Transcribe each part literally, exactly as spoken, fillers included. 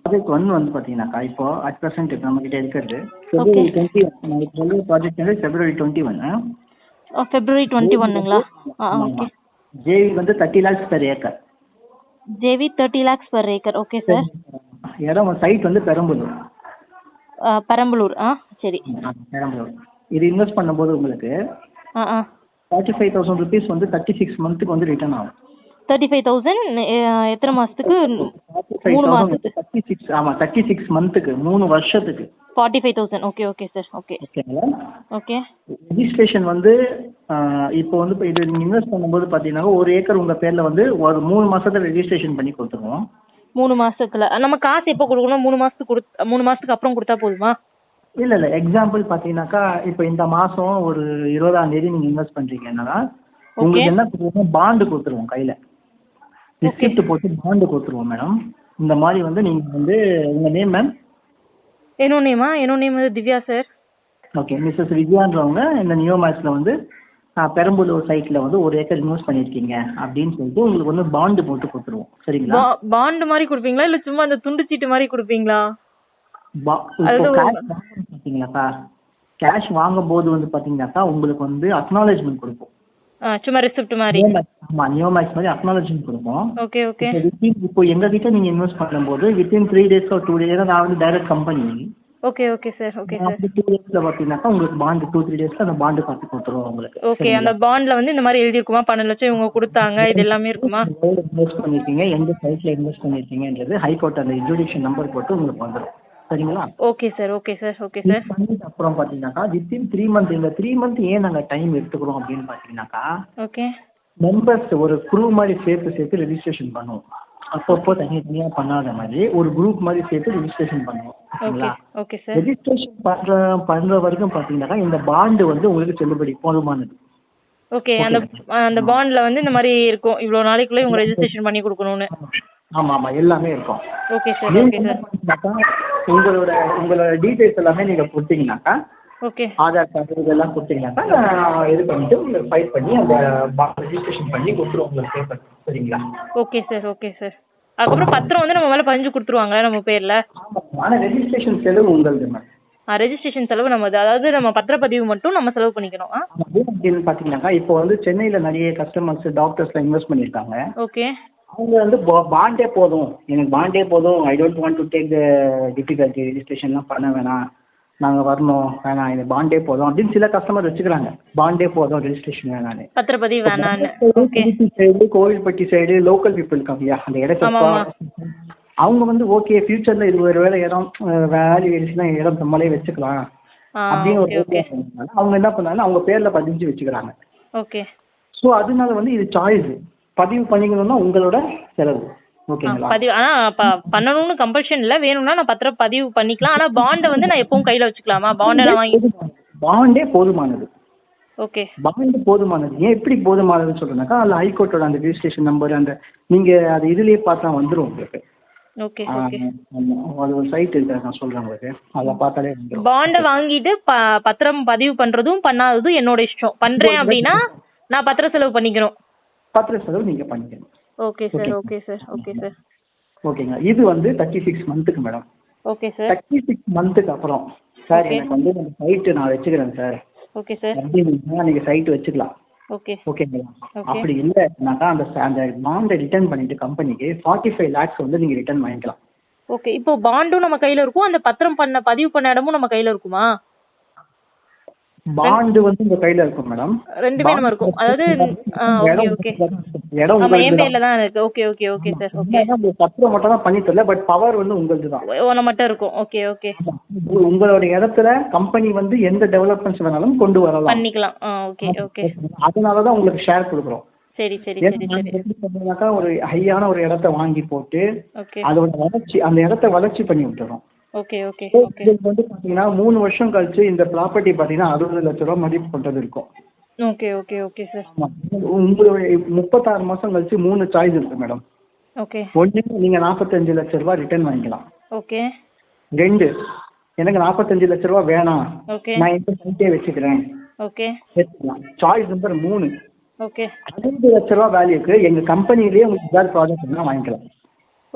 Project one வந்து பார்த்தீங்கன்னாக்கா இப்போ அட் ப்ரெசென்ட் இப்போ நம்மகிட்ட இருக்கிறது ஓகே ஃபெப்ரவரி டுவெண்ட்டி ஒன் நாளைக்கு வந்து ப்ராஜெக்ட் வந்து February twenty one February twenty ஒன்னுங்களா ஆ ஓகே ஜேவி வந்து thirty lakhs per acre. JV thirty lakhs per acre okay sir. இடம் சைட் வந்து பெரம்பலூர். பெரம்பலூர் ஆ சரி. பெரம்பலூர் இது இன்வெஸ்ட் பண்ணும்போது உங்களுக்கு ஆ ஆ ஃபார்ட்டி ஃபைவ் தௌசண்ட் ருபீஸ் வந்து தேர்ட்டி சிக்ஸ் மந்த்துக்கு வந்து ரிட்டர்ன் ஆகும். தேர்ட்டி ஃபைவ் தௌசண்ட் எத்தனை மாதத்துக்கு? மூணு மாதத்துக்கு தேர்ட்டி சிக்ஸ் ஆமாம் தேர்ட்டி சிக்ஸ் மந்த்துக்கு மூணு வருஷத்துக்கு forty five thousand okay okay sir okay ஓகேங்களா. ஓகே ரெஜிஸ்ட்ரேஷன் வந்து இப்போ வந்து இப்போ இது நீங்கள் இன்வெஸ்ட் பண்ணும்போது பார்த்தீங்கன்னா ஒரு ஏக்கர் உங்கள் பேரில் வந்து ஒரு மூணு மாதத்துல ரெஜிஸ்ட்ரேஷன் பண்ணி கொடுத்துருவோம். மூணு மாசத்துக்குள்ள நம்ம காசு எப்போ கொடுக்கணும்? மூணு மாசத்துக்கு கொடு மூணு மாசத்துக்கு அப்புறம் கொடுத்தா போதுமா? இல்லை இல்லை எக்ஸாம்பிள் பார்த்தீங்கன்னாக்கா இப்போ இந்த மாதம் ஒரு இருபதாம் தேதி நீங்கள் இன்வெஸ்ட் பண்ணுறீங்கன்னா உங்களுக்கு என்ன கொடுத்துருவோம்? பாண்டு கொடுத்துருவோம் கையில். ரிசிப்ட் போட்டு பாண்டு கொடுத்துருவோம் மேடம். இந்த மாதிரி வந்து நீங்கள் வந்து உங்கள் நேம் மேம்? என்னோட நேமா? என்னோட நேம் வந்து திவ்யா சார். ஓகே மிஸ்ஸஸ் விஜயான்றவங்க இந்த நியோ மேக்ஸில் வந்து பெரம்பலூர் சைட்டில் வந்து ஒரு ஏக்கர் இன்வெஸ்ட் பண்ணியிருக்கீங்க அப்படின்னு சொல்லிட்டு உங்களுக்கு வந்து பாண்டு போட்டு கொடுத்துருவோம். சரிங்களா? பாண்டு மாதிரி கொடுப்பீங்களா இல்லை சும்மா அந்த துண்டு சீட்டு மாதிரி கொடுப்பீங்களா? பார்த்தீங்கன்னாக்கா கேஷ் வாங்கும் போது வந்து பார்த்தீங்கன்னாக்கா உங்களுக்கு வந்து அக்னாலேஜ்மெண்ட் கொடுப்போம். சும்மா ரெசிப்ட் மாதிரி. ஆமாம் நியோ மேக்ஸ் மாதிரி அக்னாலேஜ்மெண்ட் கொடுப்போம். Okay okay. இப்போ எங்கள் கிட்ட நீங்கள் இன்வெஸ்ட் பண்ணும்போது வித்தின் த்ரீ டேஸ் ஒரு டூ டேஸ் நான் வந்து direct company. Okay okay sir okay sir. Two டேஸில் பார்த்தீங்கன்னாக்கா உங்களுக்கு பாண்டு டூ த்ரீ டேஸில் அந்த பாண்டு காப்பி கொடுத்துருவோம் உங்களுக்கு. ஓகே அந்த பாண்டில் வந்து இந்த மாதிரி எழுதி இருக்குமா? பன்னெண்டு லட்சம் இவங்க கொடுத்தாங்க இது எல்லாமே இருக்குமா? இன்வெஸ்ட் பண்ணியிருக்கீங்க எந்த சைட்டில் இன்வெஸ்ட் பண்ணியிருக்கீங்கன்றது ஹைகோர்ட் அந்த இன்ஜுடிஷன் நம்பர் போட்டு உங்களுக்கு வந்துடும். சரிங்களா? Okay sir okay sir okay sir. பண்ணிட்டு அப்புறம் பார்த்தீங்கன்னாக்கா வித்தின் த்ரீ மந்த் இந்த த்ரீ மந்த் ஏன் நாங்கள் டைம் எடுத்துக்கிறோம் அப்படின்னு பார்த்தீங்கன்னாக்கா ஓகே மெம்பர்ஸ் ஒரு குரூப் மாதிரி சேர்த்து சேர்த்து ரெஜிஸ்ட்ரேஷன் பண்ணுவோம். அப்பப்போ தனித்தனியாக பண்ணாத மாதிரி ஒரு குரூப் மாதிரி சேர்த்து ரெஜிஸ்ட்ரேஷன் பண்ணுவோம். Okay okay sir. ரெஜிஸ்ட்ரேஷன் பண்ணுற பண்ணுற வரைக்கும் பார்த்தீங்கன்னாக்கா இந்த பாண்டு வந்து உங்களுக்கு செல்லுபடி போதுமானது. ஓகே அந்த அந்த பாண்ட்ல வந்து இந்த மாதிரி இருக்கும் இவ்வளோ நாளைக்குள்ளே இவங்க ரெஜிஸ்ட்ரேஷன் பண்ணி கொடுக்கணும்னு. ஆமாம் ஆமாம் எல்லாமே இருக்கும். Okay sir okay sir. உங்களோட உங்களோட டீட்டெயில்ஸ் எல்லாமே நீங்கள் கொடுத்தீங்கன்னாக்கா ஓகே ஆதார் கார்டு இதெல்லாம் கொடுத்தீங்கன்னாக்கா நான் இது பண்ணிட்டு உங்களுக்கு ஃபைல் பண்ணி அந்த ரெஜிஸ்ட்ரேஷன் பண்ணி கொடுத்துருவோம் உங்களுக்கு பேப்பர். சரிங்களா? Okay sir okay sir. அதுக்கப்புறம் பத்திரம் வந்து நம்ம மேலே பதிஞ்சு கொடுத்துருவாங்க நம்ம பேரில். ஆமாம் ஆனால் ரெஜிஸ்ட்ரேஷன் செலவு உங்களுது மேம். ஆ ரெஜிஸ்ட்ரேஷன் செலவு நம்ம அதாவது நம்ம பத்திரப்பதிவு மட்டும் நம்ம செலவு பண்ணிக்கணும். ஆ அப்படின்னு பார்த்தீங்கன்னாக்கா இப்போ வந்து சென்னையில் நிறைய கஸ்டமர்ஸ் டாக்டர்ஸ்லாம் இன்வெஸ்ட் பண்ணியிருக்காங்க. ஓகே அவங்க வந்து பாண்டே போதும் எனக்கு பாண்டே போதும் I don't want to take the difficulty ரெஜிஸ்ட்ரேஷன்லாம் பண்ண வேணாம் நாங்கள் வரணும் வேணாம் இது பாண்டே போதும் அப்படின்னு சில கஸ்டமர் வச்சுக்கிறாங்க. பாண்டே போதும் ரெஜிஸ்ட்ரேஷன் வேணான்னு. பத்திரப்பதிவு வேணான்னு. Side Kovilpatti side local people இருக்காங்க இல்லையா அந்த இடத்த அவங்க வந்து ஓகே ஃபியூச்சரில் இது ஒரு வேலை இடம் வேல்யூ ஏறிச்சுன்னா இடம் நம்மளே வச்சுக்கலாம் அப்படின்னு ஒரு அவங்க என்ன பண்ணாங்கன்னா அவங்க பேரில் பதிஞ்சு வச்சுக்கிறாங்க. ஓகே ஸோ அதனால வந்து இது சாய்ஸ் பதிவு பண்ணிக்கணும்னா உங்களோட செலவு. ஓகேங்களா? பதிவு ஆனால் பண்ணணும்னு கம்பல்ஷன் இல்லை வேணும்னா நான் பத்திரம் பதிவு பண்ணிக்கலாம். ஆனால் பாண்டை வந்து நான் எப்பவும் கையில் வச்சுக்கலாமா? பாண்டை நான் வாங்கி பாண்டே போதுமானது. ஓகே பாண்டு போதுமானது. ஏன் எப்படி போதுமானதுன்னு சொல்றேன்னாக்கா அதில் ஹைகோர்ட்டோட அந்த ரெஜிஸ்ட்ரேஷன் நம்பர் அந்த நீங்கள் அது இதுலேயே பார்த்தா வந்துடும் உங்களுக்கு. ஓகே ஓகே அது ஒரு சைட் இருக்கு நான் சொல்கிறேன் உங்களுக்கு அதை பார்த்தாலே வந்துடும். பாண்டை வாங்கிட்டு ப பத்திரம் பதிவு பண்ணுறதும் பண்ணாததும் என்னோட இஷ்டம். பண்ணுறேன் அப்படின்னா நான் பத்திர செலவு பண்ணிக்கணும். பத்திர செலவு நீங்கள் பண்ணிக்கணும். Okay sir okay sir okay sir ஓகேங்க. இது வந்து தேர்ட்டி சிக்ஸ் மந்த்துக்கு madam. Okay sir. Thirty six மந்த்துக்கு அப்புறம் சார் எனக்கு வந்து அந்த சைட்டு நான் வச்சுக்கிறேன் சார். Okay sir. அப்படின்னா நீங்கள் சைட்டு வச்சுக்கலாம். ஓகே ஓகேங்களா? அப்படி இல்லைனாக்கா அந்த அந்த பாண்டை ரிட்டர்ன் பண்ணிட்டு கம்பெனிக்கு ஃபார்ட்டி ஃபைவ் லேக்ஸ் வந்து நீங்கள் ரிட்டர்ன் வாங்கிக்கலாம். ஓகே இப்போ பாண்டும் நம்ம கையில் இருக்கும் அந்த பத்திரம் பண்ண பதிவு பண்ண இடமும் நம்ம கையில் இருக்குமா? பாண்டு வந்து உங்க கையில இருக்கும் மேடம். ரெண்டுமே நம்ம இருக்கும். அதாவது ஓகே ஓகே இடம் நம்ம என் பேர்ல தான் இருக்கு. Okay okay okay sir okay. நம்ம பத்திரம் மட்டும் தான் பண்ணி தரல பட் பவர் வந்து உங்களுது தான். ஒண்ணு மட்டும் இருக்கும். ஓகே ஓகே உங்களோட இடத்துல கம்பெனி வந்து எந்த டெவலப்மெண்ட்ஸ் வேணாலும் கொண்டு வரலாம் பண்ணிக்கலாம். ஓகே ஓகே அதனால தான் உங்களுக்கு ஷேர் கொடுக்குறோம். சரி சரி சரி சரி. எப்படி சொல்றீங்கன்னாக்கா ஒரு ஹையான ஒரு இடத்த வாங்கி போட்டு ஓகே அதோட வளர்ச்சி அந்த இடத்த வளர்ச்சி பண்ணி விட்டுறோம். Okay okay okay. இதுக்கு வந்து பாத்தீங்கன்னா மூணு வருஷம் கழிச்சு இந்த ப்ராப்பர்ட்டி பாத்தீங்கன்னா அறுபது லட்ச ரூபா மதிப்பு கொண்டது இருக்கும். Okay okay okay sir. உங்களுடைய முப்பத்தாறு மாசம் கழிச்சு மூணு சாய்ஸ் இருக்கு மேடம். ஓகே ஒன்று நீங்க நாற்பத்தஞ்சு லட்ச ரூபா ரிட்டர்ன் வாங்கிக்கலாம். ஓகே. ரெண்டு எனக்கு நாற்பத்தஞ்சு லட்ச ரூபா வேணாம் ஓகே நான் இந்த சைட்டே வச்சுக்கிறேன் ஓகே வச்சுக்கலாம். சாய்ஸ் நம்பர் மூணு ஓகே அறுபது லட்ச ரூபா வேல்யூக்கு எங்க கம்பெனிலேயே உங்களுக்கு ஏதாவது ப்ராஜெக்ட் வாங்கிக்கலாம்.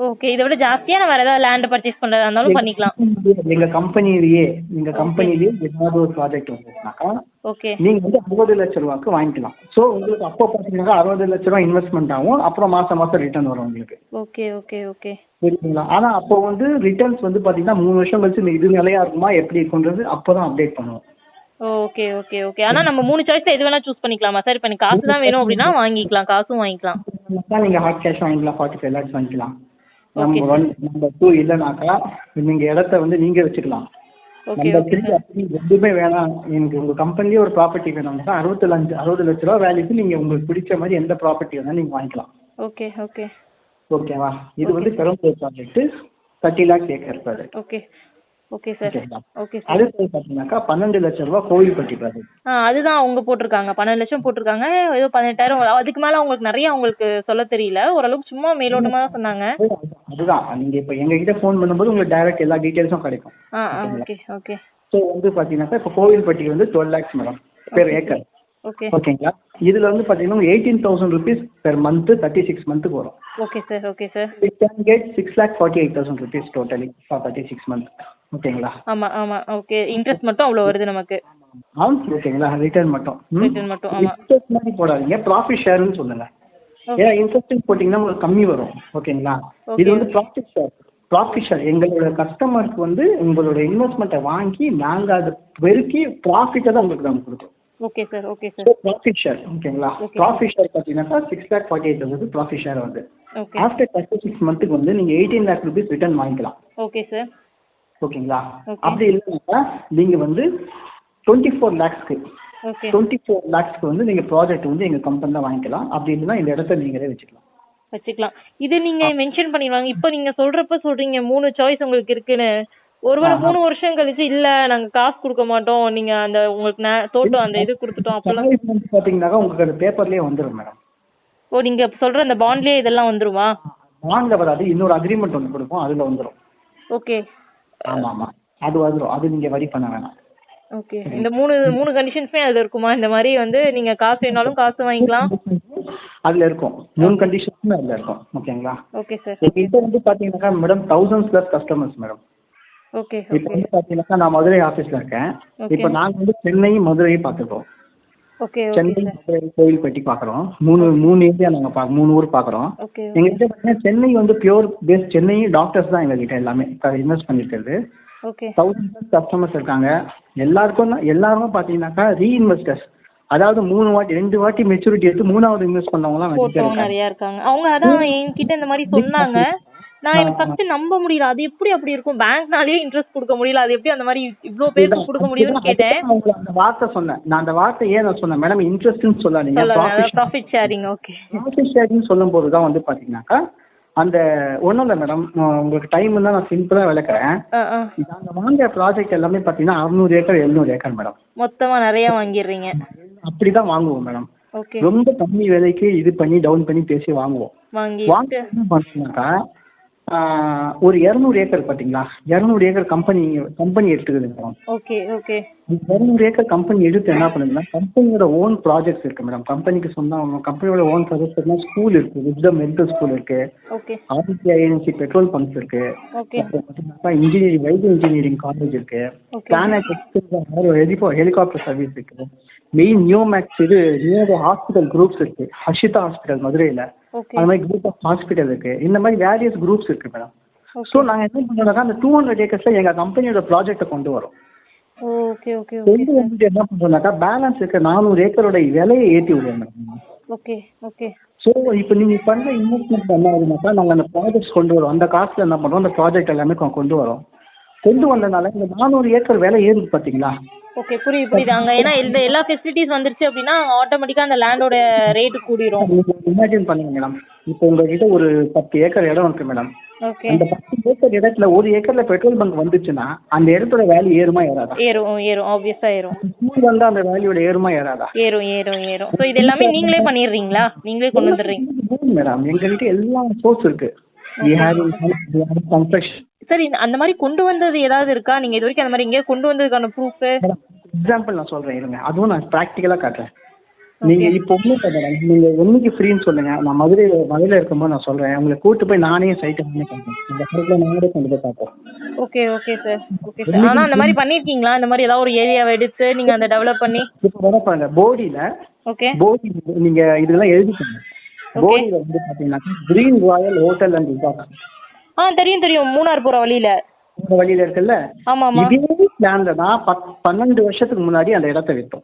ஓகே. இதை விட ஜாஸ்தியா நான் வேற ஏதாவது லேண்ட் பர்ச்சேஸ் பண்றதா இருந்தாலும் பண்ணிக்கலாம். எங்க கம்பெனிலேயே எங்க கம்பெனிலேயே ஏதாவது ஒரு ப்ராஜெக்ட் வந்துச்சுனாக்கா ஓகே நீங்க வந்து அறுபது லட்ச ரூபாய்க்கு வாங்கிக்கலாம். ஸோ உங்களுக்கு அப்போ பார்த்தீங்கன்னா அறுபது லட்ச ரூபாய் இன்வெஸ்ட்மெண்ட் ஆகும், அப்புறம் மாசம் மாசம் ரிட்டர்ன் வரும் உங்களுக்கு. ஓகே ஓகே ஓகே புரியுதுங்களா? ஆனா அப்போ வந்து ரிட்டர்ன்ஸ் வந்து பாத்தீங்கன்னா மூணு வருஷம் கழிச்சு இந்த இது நிலையா இருக்குமா எப்படி இருக்குன்றது அப்பதான் அப்டேட் பண்ணுவோம். Okay okay okay. ஆனா நம்ம மூணு சாய்ஸ்ல எது வேணா சூஸ் பண்ணிக்கலாமா சார்? இப்போ எனக்கு காசு தான் வேணும் அப்படின்னா வாங்கிக்கலாம், காசும் வாங்கிக்கலாம். நீங்க ஹாட் கேஷ் வாங்கிக்கலாம், ஃபார்ட்டி ஃபைவ் லேக்ஸ் வாங்கிக்கலாம். Okay, number one. Number two இல்லைனாக்கா நீங்க இடத்த வந்து நீங்க வச்சுக்கலாம். ஓகே நம்பர் ஓகே த்ரீ அப்படி எதுவுமே வேணாம், எனக்கு உங்க கம்பெனிலேயே ஒரு ப்ராப்பர்ட்டி வேணும்னா அறுபத்தி அஞ்சு அறுபது லட்ச ரூபா வேல்யூக்கு நீங்க உங்களுக்கு பிடிச்ச மாதிரி எந்த ப்ராப்பர்ட்டி வேணாலும் நீங்க வாங்கிக்கலாம். ஓகே ஓகே ஓகேவா? இது வந்து Perambalur project thirty lakhs acre project. Okay okay sir. ஓகேங்களா? Okay sir. அடுத்தது பார்த்தீங்கன்னாக்கா பன்னெண்டு லட்ச ரூபா கோவில்பட்டி ப்ராஜெக்ட். ஆ அதுதான் அவங்க போட்டிருக்காங்க, பன்னெண்டு லட்சம் போட்டிருக்காங்க. ஏதோ பதினெட்டாயிரம் அதுக்கு மேல அவங்களுக்கு நிறைய அவங்களுக்கு சொல்ல தெரியல, ஓரளவுக்கு சும்மா மேலோட்டமா தான் சொன்னாங்க. அதுதான் நீங்க இப்போ எங்ககிட்ட ஃபோன் பண்ணும்போது உங்களுக்கு டைரக்ட் எல்லா டீட்டெயில்ஸும் கிடைக்கும். ஆ ஆ ஓகே ஓகே ஸோ வந்து பார்த்தீங்கன்னாக்கா இப்போ கோவில்பட்டிக்கு வந்து twelve lakhs madam per acre. Okay ஓகேங்களா? இதுல வந்து பார்த்தீங்கன்னா eighteen thousand rupees per month thirty six மந்த்துக்கு வரும். Okay sir. Okay sir. It can get six lakh forty eight thousand rupees totally for thirty six month. ஓகேங்களா? ஆமா ஆமா ஓகே. இன்ட்ரெஸ்ட் மட்டும் அவ்வளவு வருது நமக்கு. ஆ ஓகேங்களா? ரிட்டர்ன் மட்டும் ரிட்டர்ன் மட்டும். ஆமா. இன்ட்ரெஸ்ட் மாதிரி போடாதீங்க, ப்ராஃபிட் ஷேர்னு சொல்லுங்க. ஏன்னா இன்ட்ரெஸ்ட் போட்டிங்கன்னா உங்களுக்கு கம்மி வரும். ஓகேங்களா? இது வந்து ப்ராஃபிட் ஷேர். ப்ராஃபிட் ஷேர் எங்களோட கஸ்டமருக்கு வந்து உங்களோட இன்வெஸ்ட்மெண்ட்டை வாங்கி நாங்கள் அதை பெருக்கி ப்ராஃபிட்டை தான் உங்களுக்கு நாங்கள் கொடுக்குறோம். Okay sir. Okay sir. Profit share. ஓகேங்களா? ப்ராஃபிட் ஷேர் பார்த்தீங்கன்னாக்கா six lakh forty eight thousand profit share வந்து ஓகே ஆஃப்டர் தேர்ட்டி சிக்ஸ் மந்த்துக்கு வந்து நீங்கள் எயிட்டீன் லேக் ருபீஸ் ரிட்டர்ன் வாங்கிக்கலாம். Okay sir. ஓகேங்களா? Okay. அப்படி இல்லைனாக்கா நீங்கள் வந்து டுவெண்ட்டி ஃபோர் லேக்ஸ்க்கு ஓகே டுவெண்ட்டி ஃபோர் லேக்ஸ்க்கு வந்து நீங்கள் ப்ராஜெக்ட் வந்து எங்கள் கம்பெனியில் வாங்கிக்கலாம். அப்படி இல்லைன்னா இந்த இடத்த நீங்களே வச்சுக்கலாம். வச்சுக்கலாம். இது நீங்க மென்ஷன் பண்ணிடுவாங்க. இப்போ நீங்க சொல்றப்ப சொல்றீங்க மூணு சாய்ஸ் உங்களுக்கு இருக்குன்னு. ஒருவேளை மூணு வருஷம் கழிச்சு இல்ல நாங்க காசு கொடுக்க மாட்டோம், நீங்க அந்த உங்களுக்கு நே- தோட்டம் அந்த இது கொடுத்துட்டோம் அப்பெல்லாம் பார்த்தீங்கன்னாக்கா உங்களுக்கு அந்த பேப்பர்லேயே வந்துடும் மேடம். ஓ நீங்க சொல்ற அந்த பாண்ட்லயே இதெல்லாம் வந்துருமா? பாண்டில் வராது, இன்னொரு அக்ரிமெண்ட் ஒன்று கொடுப்போம், அதில் வந்துடும். ஓகே ஆமாம் ஆமாம் அது வந்துடும், அது நீங்கள் வரி பண்ண வேணாம். ஓகே. இந்த மூணு மூணு கண்டிஷன்ஸுமே அதுல இருக்குமா? இந்த மாதிரி வந்து நீங்க காசு வேணாலும் காசு வாங்கிக்கலாம். அதில் இருக்கும், மூணு கண்டிஷன்ஸுமே அதில் இருக்கும். ஓகேங்களா? Okay sir. எங்ககிட்ட வந்து பார்த்தீங்கன்னாக்கா madam thousands plus customers madam. Okay இப்போ வந்து பார்த்தீங்கன்னாக்கா நான் மதுரை ஆஃபீஸில் இருக்கேன். இப்போ நாங்கள் வந்து சென்னையும் மதுரையும் பார்த்துருக்கோம். ஓகே சென்னை மதுரை கோவில்பட்டி பார்க்குறோம். மூணு மூணு ஏரியா நாங்கள் பா மூணு ஊர் பார்க்குறோம். ஓகே எங்ககிட்ட பார்த்தீங்கன்னா சென்னை வந்து பியூர் பேஸ் சென்னை டாக்டர்ஸ் தான் எங்ககிட்ட எல்லாமே இன்வெஸ்ட் பண்ணியிருக்கிறது. ஓகே தௌசண்ட் ப்ளஸ் கஸ்டமர்ஸ் இருக்காங்க. எல்லாருக்கும் தான் எல்லாருமே பார்த்தீங்கன்னாக்கா ரீஇன்வெஸ்டர்ஸ், அதாவது மூணு வாட்டி ரெண்டு வாட்டி மெச்சூரிட்டி எடுத்து மூணாவது இன்வெஸ்ட் பண்ணவங்களாம் போட்டோம் நிறைய இருக்காங்க. அவங்க அதான் என்கிட்ட இந்த மாதிரி சொன்னாங்க. நான் எனக்கு ஃபர்ஸ்ட் நம்ப முடியல, அது எப்படி அப்படி இருக்கும், பேங்க்னாலேயே இன்ட்ரெஸ்ட் கொடுக்க முடியல, அது எப்படி அந்த மாதிரி இவ்ளோ பேருக்கு கொடுக்க முடியும்னு கேட்டேன். உங்களுக்கு அந்த வார்த்தை சொன்னேன் நான். அந்த வார்த்தை ஏன் நான் சொன்னேன் மேடம், இன்ட்ரெஸ்ட்னு சொல்லாதீங்க, profit sharing. Okay profit sharing சொல்லும் போது தான் வந்து பார்த்தீங்கன்னாக்கா அந்த ஒன்றும் இல்லை மேடம், உங்களுக்கு டைம் தான் நான் சிம்பிளாக விளக்குறேன். நாங்கள் வாங்குற ப்ராஜெக்ட் எல்லாமே பார்த்தீங்கன்னா அறுநூறு ஏக்கர் எழுநூறு ஏக்கர் மேடம். மொத்தமா நிறைய வாங்கிடுறீங்க? அப்படி தான் வாங்குவோம் மேடம். ஓகே. ரொம்ப கம்மி விலைக்கு இது பண்ணி டவுன் பண்ணி பேசி வாங்குவோம். வாங்கி வாங்க என்ன பார்த்தீங்கன்னாக்கா ஒரு இரநூறு ஏக்கர் பார்த்தீங்களா, இரநூறு ஏக்கர் கம்பெனி கம்பெனி எடுத்துக்குது மேடம். Okay okay. இரநூறு ஏக்கர் கம்பெனி எடுத்து என்ன பண்ணுதுன்னா கம்பெனியோட ஓன் ப்ராஜெக்ட்ஸ் இருக்கு மேடம். கம்பெனிக்கு சொன்னால் கம்பெனியோட ஓன் ப்ராஜெக்ட்ஸ் ஸ்கூல் இருக்கு, விஸ்டம் மெடிக்கல் ஸ்கூல் இருக்கு, okay. RTC INC petrol pumps இருக்கு, ஓகே. இன்ஜினியரிங் வைத்திய இன்ஜினியரிங் காலேஜ் இருக்கு, பிளானட் ஹெலிகாப்டர் சர்வீஸ் இருக்கு, மெயின் நியோமேக்ஸ் இது நியோ ஹாஸ்பிட்டல் குரூப்ஸ் இருக்கு, ஹர்ஷிதா ஹாஸ்பிட்டல் மதுரையில், அந்த மாதிரி குரூப் ஆஃப் ஹாஸ்பிட்டல் இருக்கு, இந்த மாதிரி வேரியஸ் குரூப்ஸ் இருக்கு மேடம். ஸோ நாங்கள் என்ன பண்ணுறோம்னா அந்த டூ ஹண்ட்ரட் ஏக்கர்ஸில் எங்கள் கம்பெனியோட ப்ராஜெக்டை கொண்டு வரோம். Okay okay. கொண்டு வந்துட்டு என்ன பண்ணுறோம்னாக்கா பேலன்ஸ் இருக்க நானூறு ஏக்கரோட விலையை ஏற்றி விடுவோம் மேடம். Okay okay. ஸோ இப்போ நீங்கள் பண்ணுற இன்வெஸ்ட்மெண்ட் என்ன ஆகுதுனாக்கா நாங்கள் அந்த ப்ராஜெக்ட்ஸ் கொண்டு வரோம், அந்த காசில் என்ன பண்ணுறோம் அந்த ப்ராஜெக்ட் எல்லாமே கொண்டு வரோம். கொண்டு வந்தனால இந்த நானூறு ஏக்கர் விலை ஏறுது பார்த்தீங்களா? ஓகே புரியுது புரியுது. அங்க ஏன்னா இந்த எல்லா ஃபெசிலிட்டிஸ் வந்துருச்சு அப்படின்னா ஆட்டோமேட்டிக்கா அந்த லேண்டோட ரேட் கூடிரும். இமேஜின் பண்ணுங்க மேடம், இப்போ உங்ககிட்ட ஒரு பத்து ஏக்கர் இடம் இருக்கு மேடம். ஓகே. அந்த பத்து ஏக்கர் இடத்துல ஒரு ஏக்கர்ல பெட்ரோல் பங்க் வந்துச்சுன்னா அந்த இடத்தோட வேல்யூ ஏறுமா ஏறாதா? ஏறும் ஏறும் ஆப்வியஸா ஏறும். ஸ்கூல் வந்தா அந்த வேல்யூட ஏறுமா ஏறாதா? ஏறும் ஏறும் ஏறும். சோ இது எல்லாமே நீங்களே பண்ணிடுறீங்களா? நீங்களே கொண்டு வந்துடுறீங்க மேடம்? எங்ககிட்ட எல்லா சோர்ஸ் இருக்கு. we have construction. சரி அந்த மாதிரி கொண்டு வந்தது ஏதாவது இருக்கா? நீங்க இது வரைக்கும் அந்த மாதிரி எங்கேயாவது கொண்டு வந்ததுக்கான ப்ரூஃப்? எக்ஸாம்பிள் நான் சொல்றேன் இருங்க, அதுவும் நான் ப்ராக்டிக்கலா காட்டுறேன். நீங்க இப்போ ஒன்றும் மேடம், நீங்க என்னைக்கு ஃப்ரீன்னு சொல்லுங்க. நான் மதுரை மதுரையில் இருக்கும்போது நான் சொல்றேன். உங்களை கூட்டு போய் நானே சைட்டை வந்து பார்ப்பேன். இந்த சைட்ல நானே கொண்டு போய் பார்ப்போம். Okay okay sir okay sir. ஆனா அந்த மாதிரி பண்ணிருக்கீங்களா? இந்த மாதிரி ஏதாவது ஒரு ஏரியாவை எடுத்து நீங்க அந்த டெவலப் பண்ணி? இப்போ வர பாருங்க போடியில ஓகே போடி நீங்க இதெல்லாம் எழுதிக்கோங்க. போடியில வந்து பாத்தீங்கன்னா green royal hotel and resort. ஆ தெரியும் தெரியும், மூணார் போற வழியில இந்த வழியில இருக்குல்ல, ஆமா ஆமா. இதே பிளான்ல தான் பத் பன்னெண்டு வருஷத்துக்கு முன்னாடி அந்த இடத்த விட்டோம்.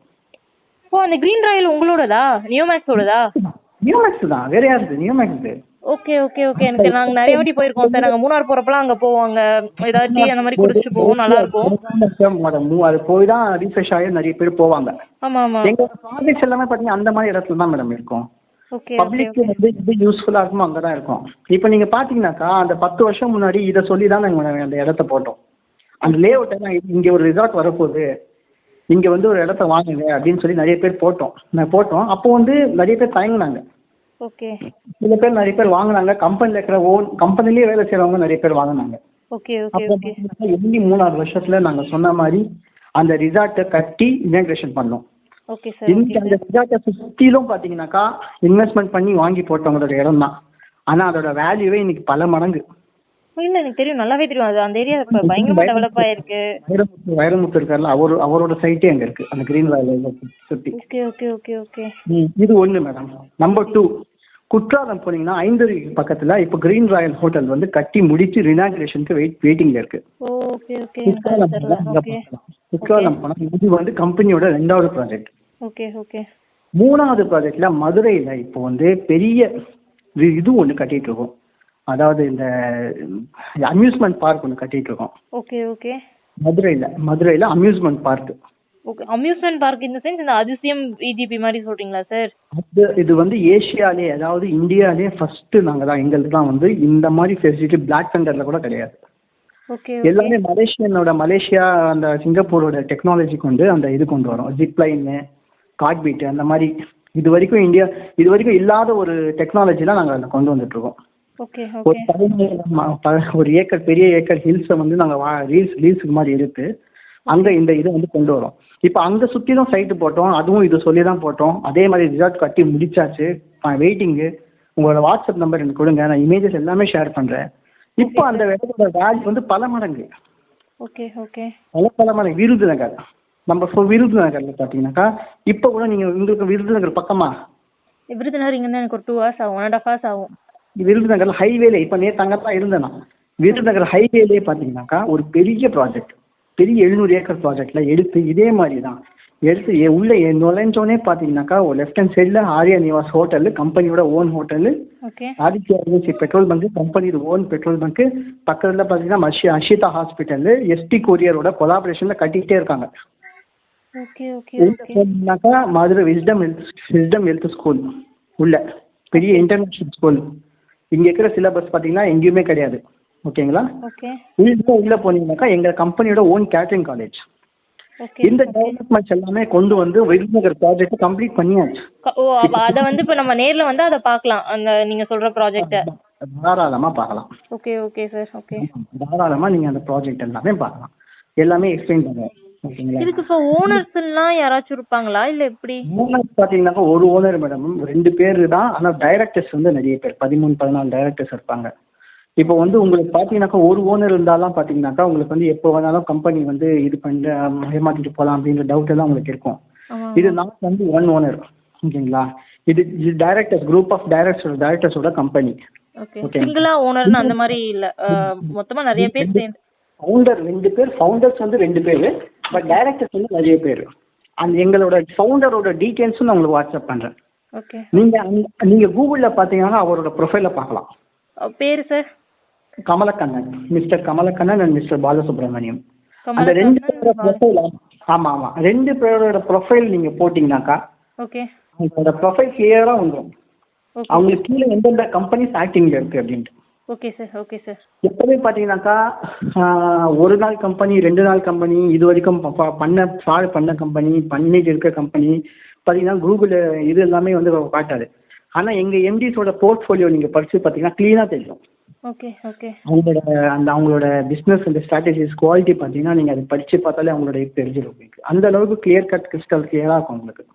ஓ அந்த கிரீன் ராயல் உங்களோடதா? நியோமேக்ஸோடதா? நியோமேக்ஸ் தான், வேற யாருது? நியோமேக்ஸ். Okay okay okay. எனக்கு நாங்க நிறைய வாட்டி போயிருக்கோம் சார். நாங்க மூணார் போறப்பலாம் அங்க போவாங்க, ஏதாவது டீ அந்த மாதிரி குடிச்சு போவோம், நல்லா இருக்கும். அது போய் தான் ரீஃப்ரெஷ் ஆகி நிறைய பேர் போவாங்க. ஆமா ஆமா. எங்களோட ப்ராஜெக்ட்ஸ் எல்லாமே பாத்தீங்கன்னா அந்த மாதிரி இடத்துல தான் மேடம் இருக்கும். ஓகே பப்ளிக்கு வந்து இது யூஸ்ஃபுல்லா இருக்குமோ அங்கதான் இருக்கும். இப்போ நீங்க பாத்தீங்கன்னாக்கா அந்த பத்து வருஷம் முன்னாடி இதை சொல்லி தான் நாங்க அந்த இடத்த போட்டோம். அந்த லே அவுட் எல்லாம் இங்க ஒரு ரிசார்ட் வரப்போகுது, இங்க வந்து ஒரு இடத்த வாங்குங்க அப்படின்னு சொல்லி நிறைய பேர் போட்டோம். நான் போட்டோம் அப்போ வந்து நிறைய பேர் தயங்குனாங்க. ஓகே. சில பேர் நிறைய பேர் வாங்கினாங்க. கம்பெனில இருக்கிற ஓன் கம்பெனிலேயே வேலை செய்யறவங்க நிறைய பேர் வாங்கினாங்க. Okay okay okay. எண்ணி மூணாறு வருஷத்துல நாங்க சொன்ன மாதிரி அந்த ரிசார்ட்டை கட்டி இனாகிரேஷன் பண்ணோம். Okay sir. இன்னைக்கு அந்த ரிசார்ட்டை சுற்றிலும் பாத்தீங்கன்னாக்கா இன்வெஸ்ட்மெண்ட் பண்ணி வாங்கி போட்டவங்களோட இடம் தான். ஆனா அதோட வேல்யூவே இன்னைக்கு பல மடங்கு. இல்ல எனக்கு தெரியும், நல்லாவே தெரியும். அது அந்த ஏரியா இப்ப பயங்கரமா டெவலப் ஆயிருக்கு. வைரமுத்து வைரமுத்து இருக்கார்ல, அவர் அவரோட சைட்டே அங்க இருக்கு அந்த கிரீன் வேல்ல சுத்தி. Okay okay okay okay. இது ஒண்ணு மேடம். நம்பர் டூ, குற்றாலம் போனீங்கன்னா ஐந்தரு பக்கத்துல இப்போ கிரீன் ராயல் ஹோட்டல் வந்து கட்டி முடிச்சு ரினாகுரேஷனுக்கு வெயிட் வெயிட்டிங்ல இருக்கு. Okay okay. குற்றாலம் குற்றாலம் போனா இது வந்து கம்பெனியோட ரெண்டாவது ப்ராஜெக்ட். Okay okay. மூணாவது ப்ராஜெக்ட்ல மதுரையில இப்போ வந்து பெரிய இது ஒண்ணு கட்டிட்டு இருக்கோம். அதாவது இந்த அம்யூஸ்மெண்ட் பார்க் ஒன்று கட்டிட்டு இருக்கோம். Okay okay. மதுரையில மதுரையில amusement park. Okay. Amusement park இந்த சென்ஸ் இந்த அதிசயம் விஜிபி மாதிரி சொல்றீங்களா சார்? அது இது வந்து ஏசியாலே, அதாவது இந்தியாலே ஃபர்ஸ்ட் நாங்க தான், எங்களுக்கு தான் வந்து இந்த மாதிரி ஃபெசிலிட்டி பிளாக் தண்டர்ல கூட கிடையாது. ஓகே. எல்லாமே மலேசியனோட மலேசியா அந்த சிங்கப்பூரோட டெக்னாலஜி கொண்டு அந்த இது கொண்டு வரோம். ஜிப்லைனு, கார்ட்பீட் அந்த மாதிரி இது வரைக்கும் இந்தியா இது வரைக்கும் இல்லாத ஒரு டெக்னாலஜிலாம் நாங்கள் அதில் கொண்டு வந்துட்டு இருக்கோம். ஓகே ஒரு பதினேழு ஒரு ஏக்கர் பெரிய ஏக்கர் ஹில்ஸை வந்து நாங்கள் ரீல்ஸ் ரீல்ஸுக்கு மாதிரி எடுத்து அங்கே இந்த இதை வந்து கொண்டு வரோம். இப்போ அங்கே சுற்றி தான் சைட்டு போட்டோம், அதுவும் இது சொல்லி தான் போட்டோம். அதே மாதிரி ரிசார்ட் கட்டி முடிச்சாச்சு. வெயிட்டிங்கு. உங்களோட வாட்ஸ்அப் நம்பர் எனக்கு கொடுங்க, நான் இமேஜஸ் எல்லாமே ஷேர் பண்ணுறேன். இப்போ அந்த இடத்தோட வேல்யூ வந்து பல மடங்கு. Okay okay. பல பல மடங்கு. விருதுநகர் நம்ம விருதுநகர்ல பார்த்தீங்கன்னாக்கா இப்போ கூட நீங்கள் உங்களுக்கு விருதுநகர் பக்கமா? விருதுநகர் இங்கே எனக்கு ஒரு டூ ஹவர்ஸ் ஆகும், ஒன் அண்ட் ஹாஃப் ஹவர்ஸ் ஆகும். விருதுநகர்ல ஹைவேல இப்போ நேற்று அங்கே தான் இருந்தேன் நான். விருதுநகர் ஹைவேலே பார்த்தீங்கன்னாக்கா ஒரு பெரிய ப்ராஜெக்ட், பெரிய எழுநூறு ஏக்கர் ப்ராஜெக்ட்ல எடுத்து இதே மாதிரி தான் எடுத்து உள்ள நுழைஞ்சோடனே பார்த்தீங்கன்னாக்கா ஒரு லெஃப்ட் ஹேண்ட் சைடில் ஆர்யா நிவாஸ் ஹோட்டலு, கம்பெனியோட own hotel. Aditya agency petrol bunk, கம்பெனியோட ஓன் பெட்ரோல் பங்க். பக்கத்தில் பார்த்தீங்கன்னா மஷி அஷிதா ஹாஸ்பிட்டலு, எஸ்டி கொரியரோட கொலாபரேஷனில் கட்டிக்கிட்டே இருக்காங்க. போனீங்கன்னாக்கா Madurai Wisdom health Wisdom health school உள்ள பெரிய இன்டர்நேஷனல் ஸ்கூல். இங்க இருக்கிற சிலபஸ் பாத்தீங்கன்னா எங்கேயுமே கிடையாது. ஓகேங்களா? உள்ள உள்ள போனீங்கன்னாக்கா எங்க கம்பெனியோட ஓன் கேட்டரிங் காலேஜ். இந்த டெவலப்மெண்ட்ஸ் எல்லாமே கொண்டு வந்து விருதுநகர் ப்ராஜெக்ட் கம்ப்ளீட் பண்ணியாச்சு. ஓ அப்ப அத வந்து இப்ப நம்ம நேர்ல வந்து அத பார்க்கலாம், அந்த நீங்க சொல்ற ப்ராஜெக்ட்ட தாராளமா பார்க்கலாம். Okay okay sir. ஓகே. தாராளமா நீங்க அந்த ப்ராஜெக்ட் எல்லாமே பார்க்கலாம், எல்லாமே எக்ஸ்பிளைன் பண்ணுவோம். இதுக்கு இப்போ ஓனர்ஸ்லாம் யாராச்சும் இருப்பாங்களா இல்ல எப்படி? ஓனர்ஸ் பாத்தீங்கன்னா ஒரு ஓனர் மேடம், ரெண்டு பேர் தான். ஆனா டைரக்டர்ஸ் வந்து நிறைய பேர், பதிமூணு பதினாலு டைரக்டர்ஸ் இருப்பாங்க. இப்போ வந்து உங்களுக்கு பாத்தீங்கன்னாக்கா ஒரு ஓனர் இருந்தாலும் பாத்தீங்கன்னாக்கா உங்களுக்கு வந்து எப்போ வேணாலும் கம்பெனி வந்து இது பண்ணி ஏமாத்திட்டு போகலாம் அப்படின்ற டவுட் எல்லாம் உங்களுக்கு இருக்கும். இது நாட் வந்து ஒன் ஓனர். ஓகேங்களா? இது டைரக்டர்ஸ், குரூப் ஆஃப் டைரக்டர்ஸ் டைரக்டர்ஸோட கம்பெனி. ஓகே. சிங்கிளா ஓனர்னா அந்த மாதிரி இல்ல, மொத்தமா நிறைய பேர் சேர்ந்து. ஃபவுண்டர் ரெண்டு பேர், ஃபவுண்டர்ஸ் வந்து ரெண்டு பேர், பட் டைரக்டர்ஸ் வந்து நிறைய பேர். அந்த எங்களோட ஃபவுண்டரோட டீடைல்ஸும் நான் உங்களுக்கு வாட்ஸ்அப் பண்றேன். ஓகே. நீங்க நீங்க கூகுள்ல பாத்தீங்கன்னா அவரோட ப்ரொஃபைல பார்க்கலாம். பேரு sir? Kamalakannan, mister Kamalakannan and mister Balasubramaniam. அந்த ரெண்டு பேரோட ப்ரொஃபைல், ஆமா ஆமா, ரெண்டு பேரோட ப்ரொஃபைல் நீங்க போட்டீங்கன்னாக்கா ஓகே அவங்களோட ப்ரொஃபைல் கிளியரா வந்துடும். அவங்களுக்கு கீழே எந்தெந்த கம்பெனிஸ் ஆக்டிங்ல இருக்கு அப்படின்ட்டு. Okay sir. Okay sir. எப்பவுமே பார்த்தீங்கன்னாக்கா ஒரு நாள் கம்பெனி, ரெண்டு நாள் கம்பெனி, இது வரைக்கும் பண்ண ஃப்ராட் பண்ண கம்பெனி, பண்ணிட்டு இருக்க கம்பெனி பார்த்தீங்கன்னா கூகுள் இது எல்லாமே வந்து காட்டாது. ஆனால் எங்கள் எம்டிஸோட போர்ட்ஃபோலியோ நீங்கள் படித்து பார்த்தீங்கன்னா க்ளீனாக தெரியும். Okay okay. அவங்களோட அந்த அவங்களோட பிஸ்னஸ் அந்த ஸ்ட்ராட்டஜிஸ் குவாலிட்டி பார்த்தீங்கன்னா நீங்கள் அதை படித்து பார்த்தாலே அவங்களோட இது தெரிஞ்சிடும் உங்களுக்கு. அந்த அளவுக்கு கிளியர் கட் கிறிஸ்டல் கிளியராக இருக்கும் உங்களுக்கு.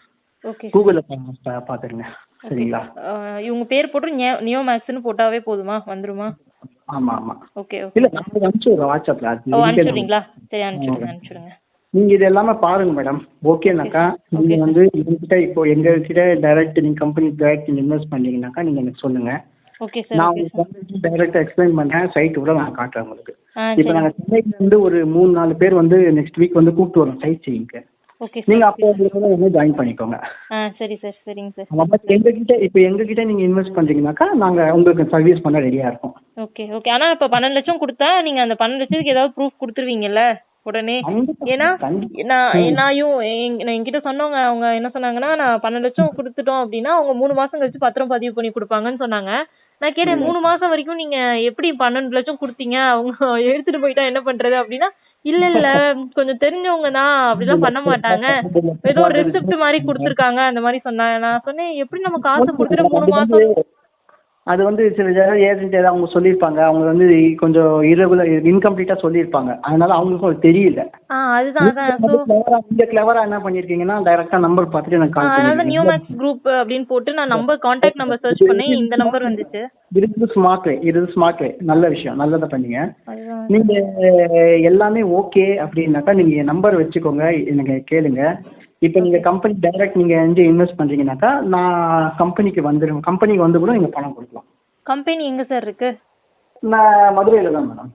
ஓகே கூகுளில் பார்த்துருங்க சரிங்களா. இவங்க பேர் போட்டு நியோ மேக்ஸ்னு போட்டாவே போதுமா, வந்துருமா? ஆமாம் ஆமாம். Okay okay. இல்லை நம்ம அனுப்பிச்சுடுறோம் வாட்ஸ்அப்பில். ஓ அனுப்பிச்சுடுறீங்களா? சரி அனுப்பிச்சுடுங்க அனுப்பிச்சுடுங்க. நீங்கள் இது எல்லாமே பாருங்க மேடம். ஓகேனாக்கா நீங்கள் வந்து எங்ககிட்ட இப்போ எங்ககிட்ட டைரக்ட் நீங்கள் கம்பெனி டைரக்ட் நீங்கள் இன்வெஸ்ட் பண்ணீங்கன்னாக்கா நீங்கள் எனக்கு சொல்லுங்கள். Okay sir. நான் ஓகே உங்களுக்கு டைரக்டாக எக்ஸ்பிளைன் பண்ணுறேன். சைட் கூட நான் காட்டுறேன் உங்களுக்கு. ஆ இப்போ சரி. நாங்கள் சென்னையிலேருந்து ஒரு மூணு நாலு பேர் வந்து நெக்ஸ்ட் வீக் வந்து கூப்பிட்டு வரோம் சைட் சீயிங்க்கு. ஓகே நீங்கள் சார். அப்போ உங்களுக்கு வந்து ஜாயின் பண்ணிக்கோங்க. ஆ சரி சார். சரிங்க சார். நம்ம எங்ககிட்ட இப்போ எங்ககிட்ட நீங்கள் இன்வெஸ்ட் பண்ணுறீங்கனாக்கா நாங்கள் உங்களுக்கு சர்வீஸ் பண்ண ரெடியாக இருக்கோம். Okay okay. ஆனா இப்ப பன்னெண்டு லட்சம் கொடுத்தா நீங்க அந்த பன்னெண்டு லட்சத்துக்கு ஏதாவது ப்ரூஃப் கொடுத்துருவீங்கல்ல உடனே? ஏன்னா நான் நான் யூ- எங்க- நான் என்கிட்ட சொன்னவங்க அவங்க என்ன சொன்னாங்கன்னா, நான் பன்னெண்டு லட்சம் கொடுத்துட்டோம் அப்படின்னா அவங்க மூணு மாசம் கழிச்சு பத்திரம் பதிவு பண்ணி கொடுப்பாங்கன்னு சொன்னாங்க. நான் கேட்டேன் மூணு மாசம் வரைக்கும் நீங்க எப்படி பன்னெண்டு லட்சம் கொடுத்தீங்க, அவங்க எடுத்துட்டு போயிட்டா என்ன பண்றது அப்படின்னா, இல்ல இல்ல கொஞ்சம் தெரிஞ்சவங்க தான் அப்படிலாம் பண்ண மாட்டாங்க, ஏதோ ஒரு ரெசிப்ட் மாதிரி கொடுத்துருக்காங்க அந்த மாதிரி சொன்னாங்க. நான் சொன்னேன் எப்படி நம்ம காசு கொடுத்துட்டு மூணு மாசம். அது வந்து சில ஏஜென்ட் ஏதாவது அவங்க சொல்லியிருப்பாங்க, அவங்க வந்து கொஞ்சம் இரகுலர் இன்கம்ப்ளீட்டாக சொல்லியிருப்பாங்க, அதனால அவங்களுக்கும் அது தெரியல. ஆ அதுதான் அதான். ஸோ நீங்க கிளவரா என்ன பண்ணிருக்கீங்கன்னா டைரக்டா நம்பர் பார்த்துட்டு எனக்கு கால் அதாவது பண்ணுங்க. நியோமேக்ஸ் குரூப் அப்படின்னு போட்டு நான் நம்பர் கான்டாக்ட் நம்பர் சர்ச் பண்ணேன், இந்த நம்பர் வந்துச்சு. இது ஸ்மார்ட் வே, இது ஸ்மார்ட் வே, நல்ல விஷயம், நல்லதை பண்ணீங்க. அதுதான். நீங்க எல்லாமே ஓகே அப்படின்னாக்கா நீங்க நம்பர் வச்சுக்கோங்க, எனக்கு கேளுங்க. இப்போ நீங்க கம்பெனி டைரக்ட் நீங்க எங்கே இன்வெஸ்ட் பண்றீங்கன்னாக்கா நான் கம்பெனிக்கு வந்துடுவேன், கம்பெனிக்கு வந்து கூட நீங்க பணம் கொடுக்கலாம். கம்பெனி எங்க சார் இருக்கு? நான் மதுரையில தான் மேடம்.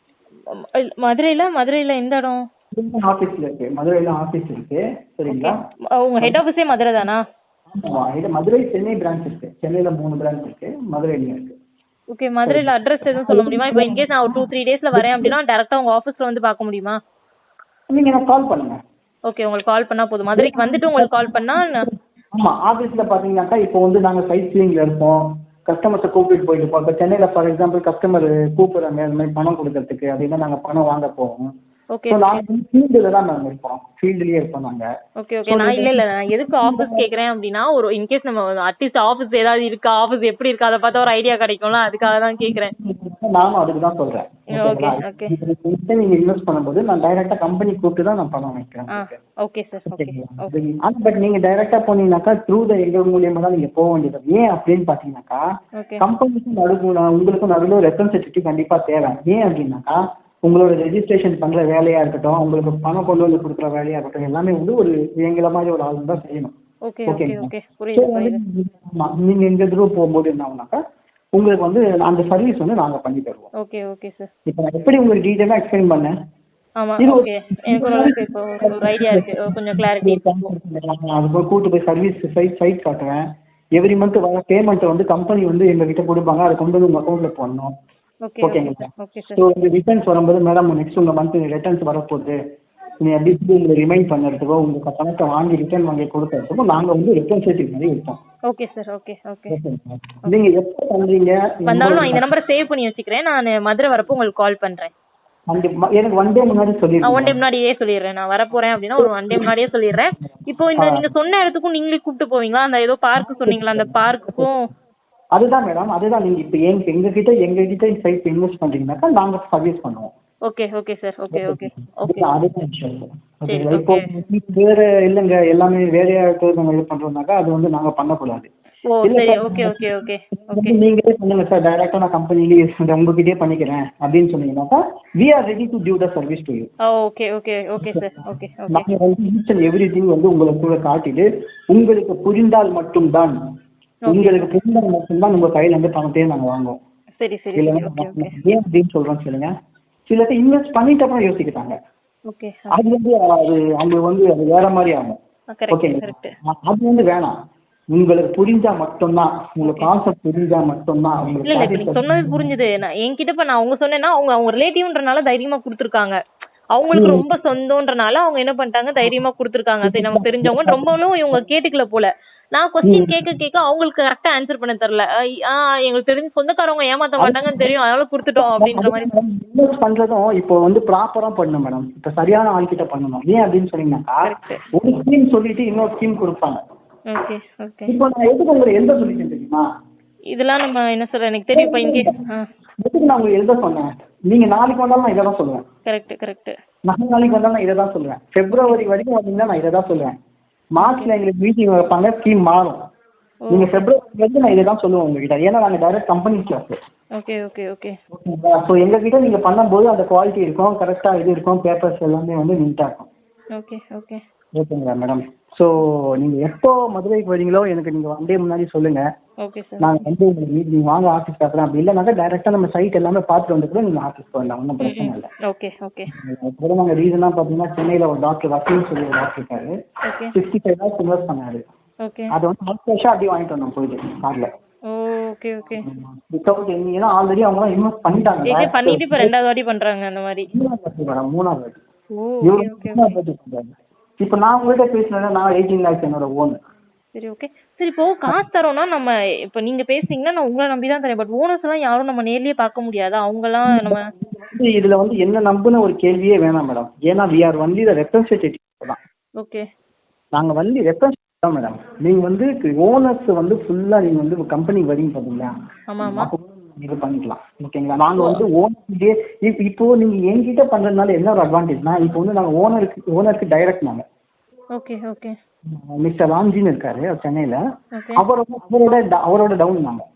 ம- மதுரையில மதுரையில எந்த இடம்? ஆஃபீஸில் இருக்கு, மதுரையில் ஆஃபீஸ் இருக்கு சரிங்களா. உங்க ஹெட் ஆஃபீஸே மதுரை தானா? ஆமாம், இது மதுரை சென்னை பிரான்ச் இருக்கு, சென்னையில் மூணு பிரான்ச் இருக்கு, மதுரையிலையும் இருக்கு. ஓகே. மதுரையில அட்ரஸ் எதுவும் சொல்ல முடியுமா? இப்போ இன்கேஸ் நான் ஒரு டூ த்ரீ டேஸ்ல வரேன் அப்படின்னா டேரக்டா உங்க ஆஃபீஸ்ல வந்து பார்க்க முடியுமா? நீங்கள் எனக்கு கால் பண்ணுங்க. ஓகே, உங்களுக்கு கால் பண்ணா போதும். மதுரைக்கு வந்துட்டு உங்களுக்கு கால் பண்ணா நான்- ஆமாம், ஆஃபீஸில் பார்த்தீங்கன்னாக்கா இப்போ வந்து நாங்கள் சைட் சீயிங்கில் இருப்போம், கஸ்டமர்ஸை கூப்பிட்டு போயிட்டு இருப்போம். இப்போ சென்னையில் ஃபார் எக்ஸாம்பிள் கஸ்டமர் கூப்பிட்றாங்க இந்த மாதிரி பணம் கொடுக்கறதுக்கு அப்படின்னா நாங்கள் பணம் வாங்க போவோம். ஓகே ஸோ நாங்கள் வந்து ஃபீல்டில் தான் நாங்கள் இருப்போம், ஃபீல்டுலேயே இருப்போம் நாங்கள். Okay okay. நான் இல்ல இல்ல நான் எதுக்கு ஆஃபீஸ் கேக்குறேன் அப்படின்னா, ஒரு இன்கேஸ் நம்ம அட்லீஸ்ட் ஆஃபீஸ் ஏதாவது இருக்கா, ஆஃபீஸ் எப்படி இருக்கா அதை பார்த்தா ஒரு ஐடியா கிடைக்கும்ல, அதுக்காக தான் கேக்குறேன். நானும் அதுக்கு தான் சொல்கிறேன். Okay okay. நீங்கள் இன்வெஸ்ட் பண்ணும்போது நான் டைரெக்டாக கம்பெனி கூப்பிட்டு தான் நான் பணம் வைக்கிறேன். ஆ ஓகே சார். Okay okay. ஆனால் பட் நீங்கள் டைரெக்டாக போனீங்கன்னாக்கா த்ரூ த எங்கள் மூலியமாக தான் நீங்கள் போக வேண்டியது. ஏன் அப்படின்னு பார்த்தீங்கன்னாக்கா ஓகே கம்பெனிக்கும் நடுவு உங்களுக்கும் நடுவில் ரெப்ரசன்டேட்டிவ் கண்டிப்பாக தேவை. ஏன் அப்படின்னாக்கா உங்களோட ரெஜிஸ்ட்ரேஷன் பண்ணுற வேலையாக இருக்கட்டும், உங்களுக்கு பணம் கொண்டு வந்து கொடுக்குற வேலையாக இருக்கட்டும், எல்லாமே வந்து ஒரு எங்களை மாதிரி ஒரு ஆள் தான் செய்யணும். ஓகே ஓகே ஓகேங்களா. ஓகே. புரியுது புரியுது. ஆமாம், நீங்கள் எங்கள் த்ரூ போகும்போது என்ன ஆகுனாக்கா உங்களுக்கு வந்து அந்த சர்வீஸ் வந்து நாங்கள் பண்ணி தருவோம். Okay okay sir. இப்போ நான் எப்படி உங்களுக்கு டீட்டெயிலாக எக்ஸ்பிளைன் பண்ணேன். ஆமா இது ஒரு- ஓகே. எனக்கு ஓரளவுக்கு இப்போ ஒரு ஐடியா இருக்கு, கொஞ்சம் கிளாரிட்டி. அது போய் கூட்டு போய் சர்வீஸ் சைட் சைட் காட்டுவேன். எவ்ரி மந்த் வர பேமெண்ட்டை வந்து கம்பெனி வந்து எங்ககிட்ட கொடுப்பாங்க, அதை கொண்டு வந்து உங்கள் அக்கௌண்ட்டில் போடணும். ஓகே ஓகேங்களா. Okay sir. ஸோ இந்த ரிட்டர்ன்ஸ் வரும்போது மேடம் நெக்ஸ்ட் உங்கள் மந்த் ரிட்டர்ன்ஸ் வரப்போகுது, நீங்கள் எப்படி உங்களை ரிமைண்ட் பண்ணுறதுக்கோ உங்களுக்கு பணத்தை வாங்கி ரிட்டர்ன் வாங்கி கொடுக்கறதுக்கோ நாங்கள் வந்து ரெப்ரசன்டேட்டிவ் மாதிரி இருப்போம். Okay sir. Okay okay. ஓகேங்களா. நீங்கள் எப்போ பண்ணுறீங்க வந்தாலும் நான் இந்த நம்பரை சேவ் பண்ணி வச்சுக்கிறேன், நான் மதுரை வரப்போ உங்களுக்கு கால் பண்றேன். கண்டிப்பா எனக்கு ஒன் டே முன்னாடி நான் சொல்லிடுங்க. ஒன் டே முன்னாடியே சொல்லிடுறேன், நான் வரப்போறேன் அப்படின்னா ஒரு ஒன் டே முன்னாடியே சொல்லிடுறேன். இப்போ இந்த நீங்க சொன்ன இடத்துக்கும் நீங்களே கூப்பிட்டு போவீங்களா? அந்த ஏதோ பார்க் சொன்னீங்களா, அந்த பார்க்குக்கும்? அதுதான் மேடம், அதுதான் நீங்கள் இப்போ எங்க எங்ககிட்ட எங்ககிட்ட சைட் இன்வெஸ்ட் பண்ணுறீங்கன்னாக்கா நாங்கள் சர்வீஸ் பண்ணுவோம். Okay okay sir. Okay okay okay. அதுதான் அதுதான் விஷயம் சார். சரி, ஓகேங்களா. இப்போ வேற இல்லைங்க எல்லாமே வேறையா இருக்கிறது நம்ம இது பண்ணுறோம்னாக்கா அது வந்து நாங்கள் பண்ணக்கூடாது. ஓ சரி. Okay okay okay okay. நீங்களே பண்ணுங்க சார், டைரக்டா நான் கம்பெனிலேயே உங்ககிட்டயே பண்ணிக்கிறேன் அப்படின்னு சொன்னீங்கன்னாக்கா we are ready to give the service to you. Okay okay okay sir. Okay okay. நாங்கள் வந்து ஈச் அண்ட் எவ்ரி திங் வந்து உங்களுக்கு கூட காட்டிட்டு உங்களுக்கு புரிந்தால் மட்டும்தான் உங்களுக்கு புரிந்தால் மட்டும்தான் உங்க கையில இருந்து பணத்தையும் நாங்கள் வாங்குவோம். சரி சரி. இல்லைன்னா ஓகே ஓகே ஏன் அப்படின்னு சொல்றோம் சொல்லுங்க. சில பேர் இன்வெஸ்ட் பண்ணிட்டு அப்புறம் யோசிக்கிறாங்க, ஓகே. அது வந்து அது அவங்களுக்கு வந்து அது வேற மாதிரி ஆகும். கரெக்ட் ஓகேங்களா. கரெக்ட். அது வந்து வேணாம், உங்களுக்கு புரிஞ்சா மட்டும்தான், உங்களுக்கு கான்செப்ட் புரிஞ்சா மட்டும்தான் இல்ல இல்ல இப்ப நீங்க சொன்னது புரிஞ்சுது. நான் என்கிட்ட இப்ப நான் அவங்க சொன்னேன்னா அவங்க அவங்க ரிலேட்டிவ்ன்றனால தைரியமா கொடுத்துருக்காங்க. அவங்களுக்கு ரொம்ப சொந்தம்ன்றனால அவங்க என்ன பண்ணிட்டாங்க, தைரியமா கொடுத்துருக்காங்க. சரி நமக்கு தெரிஞ்சவங்க ரொம்பவும் இவங்க கேட்டுக்கல போல. நான் கொஸ்டின் கேட்க கேட்க அவங்களுக்கு கரெக்டா ஆன்சர் பண்ண தெரியல. ஆ எங்களுக்கு தெரிஞ்ச சொந்தக்காரவங்க ஏமாத்த மாட்டாங்கன்னு தெரியும், அதனால கொடுத்துட்டோம் அப்படின்ற மாதிரி. இன்வெஸ்ட் பண்றதும் இப்போ வந்து ப்ராப்பரா பண்ணணும் மேடம், இப்போ சரியான ஆள்கிட்ட பண்ணணும். ஏன் அப்படின்னு சொன்னீங்கன்னாக்கா ஒரு ஸ்கீம் சொல்லிட்டு இன்னொரு ஸ்கீம் கொடுப்பாங்க. Okay okay. இப்போ நான் எதுக்கு உங்களுக்கு எழுத சொல்லிட்டேன் தெரியுமா? இதெல்லாம் நம்ம என்ன சொல்ற எனக்கு தெரியும். இப்போ இங்கே எதுக்கு நான் உங்களுக்கு எழுத சொன்னேன்? நீங்க நாளைக்கு வந்தாலும் நான் இதை தான் சொல்லுவேன். Correct correct. நான் நாளைக்கு வந்தாலும் நான் இதை தான் சொல்லுவேன். பிப்ரவரி வரைக்கும் வந்தீங்கன்னா நான் இதை தான் சொல்லுவேன். மார்ச்ல எங்களுக்கு மீட்டிங் வைப்பாங்க, ஸ்கீம் மாறும். நீங்க பிப்ரவரிலேருந்து நான் இதை தான் சொல்லுவேன் உங்ககிட்ட, ஏன்னா நாங்கள் direct company class. Okay okay okay ஓகேங்களா? ஸோ எங்ககிட்ட நீங்க பண்ணும்போது அந்த குவாலிட்டி இருக்கும், கரெக்டா இது இருக்கும், பேப்பர்ஸ் எல்லாமே வந்து நீட்டா இருக்கும். ஓகே ஓகே ஓகேங்களா மேடம்? ஸோ நீங்க எப்போ மதுரைக்கு வரீங்களோ எனக்கு நீங்க ஒன் டே முன்னாடி சொல்லுங்க. Okay sir. நாங்கள் வந்து உங்களுக்கு மீட் நீங்க வாங்க ஆஃபீஸ் பார்க்குறோம். அப்படி இல்லைனாக்கா டைரெக்டாக நம்ம சைட் எல்லாமே பார்த்துட்டு வந்து கூட நீங்கள் ஆஃபீஸ்க்கு வரலாம், ஒன்றும் பிரச்சனை இல்லை. ஓகே ஓகே கூட நாங்கள் ரீசனாக பார்த்தீங்கன்னா சென்னையில் ஒரு டாக்டர் வக்கீல் சொல்லி ஒரு டாக்டர் இருக்காரு, okay sixty five lakhs invest பண்ணாரு. ஓகே அதை வந்து அடுத்த வருஷம் அப்படியே வாங்கிட்டு வந்தோம் போயிட்டு காரில். ஓகே ஓகே வித்தவுட் எனி, ஏன்னா ஆல்ரெடி அவங்க இன்வெஸ்ட் பண்ணிட்டாங்க. ஏகே பண்ணிட்டு இப்போ ரெண்டாவது வாட்டி பண்றாங்க அந்த மாதிரி. மூணாவது வாட்டி மேடம், மூணாவது வாட்டி. ஓ இவரு ஓகே மூணாவது வாட்டி பண்றாங்க. இப்போ நான் உங்கள்கிட்ட பேசினேன்னா நான் எயிட்டீன் லேக்ஸ் என்னோட ஓன். சரி ஓகே. சரி இப்போ காசு தரோம்னா நம்ம இப்போ நீங்க பேசுனீங்கன்னா நான் உங்களை நம்பி தான் தரேன். பட் ஓனர்ஸ் எல்லாம் யாரும் நம்ம நேர்லயே பார்க்க முடியாதா? அவங்கலாம் நம்ம வந்து இதுல வந்து என்ன நம்புன ஒரு கேள்வியே வேணாம் மேடம். ஏன்னா we are only the representative தான். ஓகே நாங்க வந்து ரெப்ரஸன்டேட்டிவ் தான் மேடம். நீங்க வந்து ஓனர்ஸ் வந்து ஃபுல்லா நீங்க வந்து கம்பெனி வரீங்க பாத்தீங்களா, ஆமா ஆமா அப்போ இது பண்ணிக்கலாம். ஓகேங்களா? நாங்க வந்து ஓனர்கிட்டே இப்போ நீங்க என்கிட்ட பண்றதுனால என்ன ஒரு அட்வான்டேஜ்னா, இப்போ வந்து நாங்க ஓனருக்கு ஓனருக்கு டைரக்ட் நாங்க ஓகே ஓகே மிஸ்டர் ராம்ஜின்னு இருக்காரு அவர் சென்னையில, ஓகே அவரோட அவரோட அவரோட டவுன் நாங்க.